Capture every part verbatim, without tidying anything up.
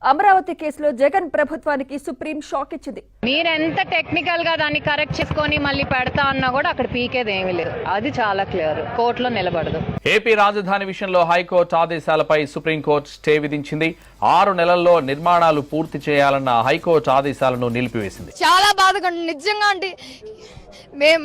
అమరావతి కేసులో జగన్ ప్రభుత్వానికి supreme shock ఇచ్చింది. మీరెంత టెక్నికల్ గా దాన్ని కరెక్ట్ చేసుకొని మళ్ళీ పెడతా అన్నా కూడా అక్కడ పీకేది ఏమీ లేదు. అది చాలా క్లియర్, కోర్టులో నిలబడదు. ఏపీ రాజధాని విషయంలో హైకోర్టు ఆదేశాలపై సుప్రీంకోర్టు స్టే విధించింది. ఆరు నెలల్లో నిర్మాణాలు పూర్తి చేయాలన్న హైకోర్టు ఆదేశాలను నిలిపివేసింది. చాలా బాధగా నిజంగా అంటే మేం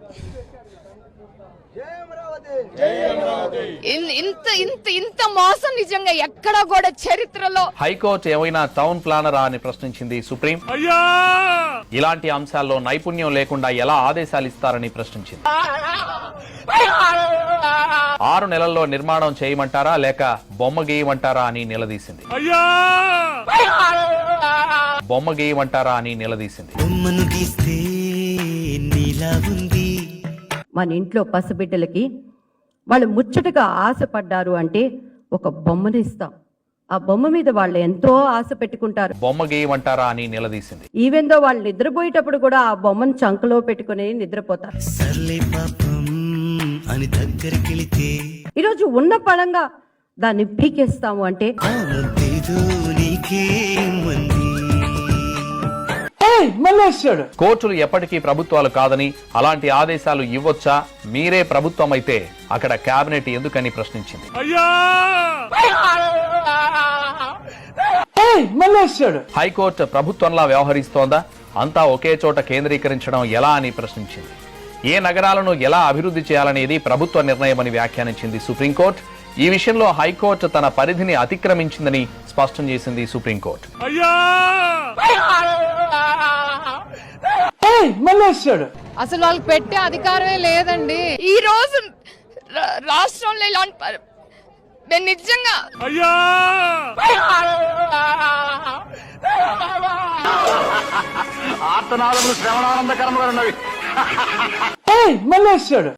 ఇంత ఇంత ఇంత మోసం నిజంగా ఎక్కడ కూడా చరిత్రలో. హైకోర్టు ఏమైనా టౌన్ ప్లానరా అని ప్రశ్నించింది సుప్రీం. ఇలాంటి అంశాల్లో నైపుణ్యం లేకుండా ఎలా ఆదేశాలు ఇస్తారని ప్రశ్నించింది. ఆరు నెలల్లో నిర్మాణం చేయమంటారా లేక బొమ్మ గీయమంటారా అని నిలదీసింది. బొమ్మ గీయమంటారా అని నిలదీసింది. మన ఇంట్లో పసిబిడ్డలకి వాళ్ళు ముచ్చటగా ఆశపడ్డారు అంటే ఒక బొమ్మను ఇస్తాం. ఆ బొమ్మ మీద వాళ్ళు ఎంతో ఆశ పెట్టుకుంటారు. బొమ్మ గీయమంటారా అని నిలదీసింది. ఈవెన్ దో వాళ్ళు నిద్రపోయేటప్పుడు కూడా ఆ బొమ్మను చంకలో పెట్టుకుని నిద్రపోతారు. ఈరోజు ఉన్న పడంగా దాన్ని పీకేస్తాము అంటే కోర్టులు ఎప్పటికీ ప్రభుత్వాలు కాదని, అలాంటి ఆదేశాలు ఇవ్వొచ్చా, మీరే ప్రభుత్వం అయితే అక్కడ కేబినెట్ ఎందుకని ప్రశ్నించింది. హైకోర్టు ప్రభుత్వంలా వ్యవహరిస్తోందా, అంతా ఒకే చోట కేంద్రీకరించడం ఎలా అని ప్రశ్నించింది. ఏ నగరాలను ఎలా అభివృద్ధి చేయాలనేది ప్రభుత్వ నిర్ణయమని వ్యాఖ్యానించింది సుప్రీంకోర్టు. ఈ విషయంలో హైకోర్టు తన పరిధిని అతిక్రమించిందని స్పష్టం చేసింది సుప్రీంకోర్టు. అసలు వాళ్ళకి పెట్టే అధికారమే లేదండి. ఈ రోజు రాష్ట్రంలో ఇలాంటి నేను నిజంగా ఆర్తనాదములు శ్రవణానందకరంగా ఉన్నవి.